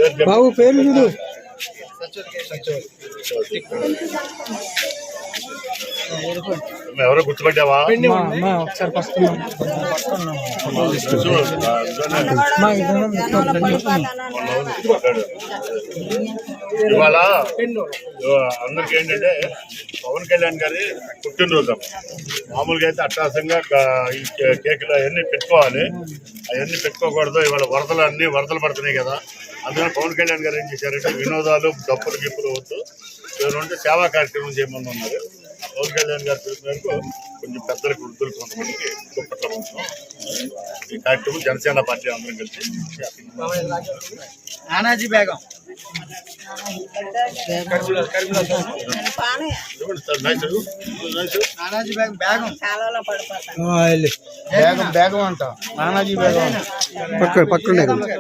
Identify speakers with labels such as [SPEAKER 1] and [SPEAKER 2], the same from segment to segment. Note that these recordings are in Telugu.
[SPEAKER 1] బాబు పేరు చూడు.
[SPEAKER 2] ఎవరో గుర్తుపట్టావా?
[SPEAKER 1] ఒకసారి ఫస్ట్
[SPEAKER 2] ఇవాళ అందరికి ఏంటంటే పవన్ కళ్యాణ్ గారి పుట్టినరోజు. మామూలుగా అయితే అట్టాసంగా ఈ కేకులు అవన్నీ పెట్టుకోవాలి, అవన్నీ పెట్టుకోకూడదు. ఇవాళ వరదలు పడుతున్నాయి కదా, అందుకని పవన్ కళ్యాణ్ గారు ఏం చేశారంటే వినోదాలు డప్పులు గిప్పులు వద్దు, ఏమంటే సేవా కార్యక్రమం చేయమని ఉన్నారు. పవన్ కళ్యాణ్ గారి పిలుపు మేరకు కొంచెం పెద్దలకు వృద్ధులు కొంతమందికి దుప్పట్ల ఈ కార్యక్రమం జనసేన పార్టీ అందరం కలిసి
[SPEAKER 3] నానాజీ బేగం
[SPEAKER 1] బేగం అంట. నానాజీ బేగం పక్కన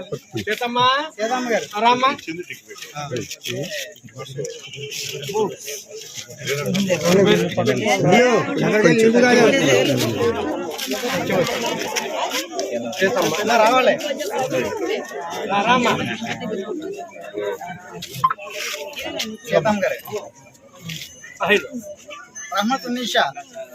[SPEAKER 3] రావాలి సీతమ్మ గారు రహమత్ ఉన్నీషా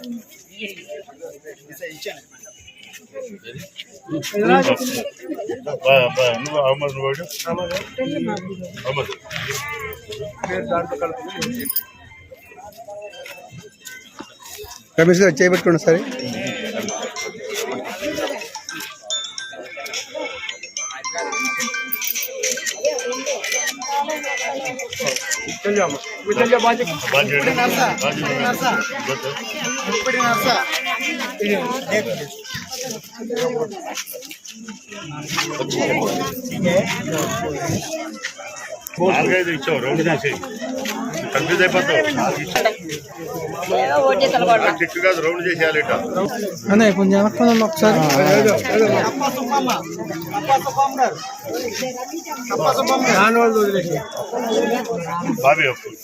[SPEAKER 1] రమేష్ గారు చేపెట్టుకోండి సరే.
[SPEAKER 2] నాలుగైదు ఇచ్చావు, రౌండ్ చేసి కన్ఫ్యూజ్ అయిపోతావు. టిక్ కాదు, రౌండ్ చేసేయాలి.
[SPEAKER 1] అనే కొంచెం వెనక్కి ఒకసారి.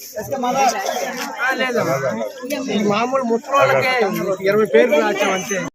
[SPEAKER 3] మామూలు ముప్పై 20 పేర్లు రాచామంటే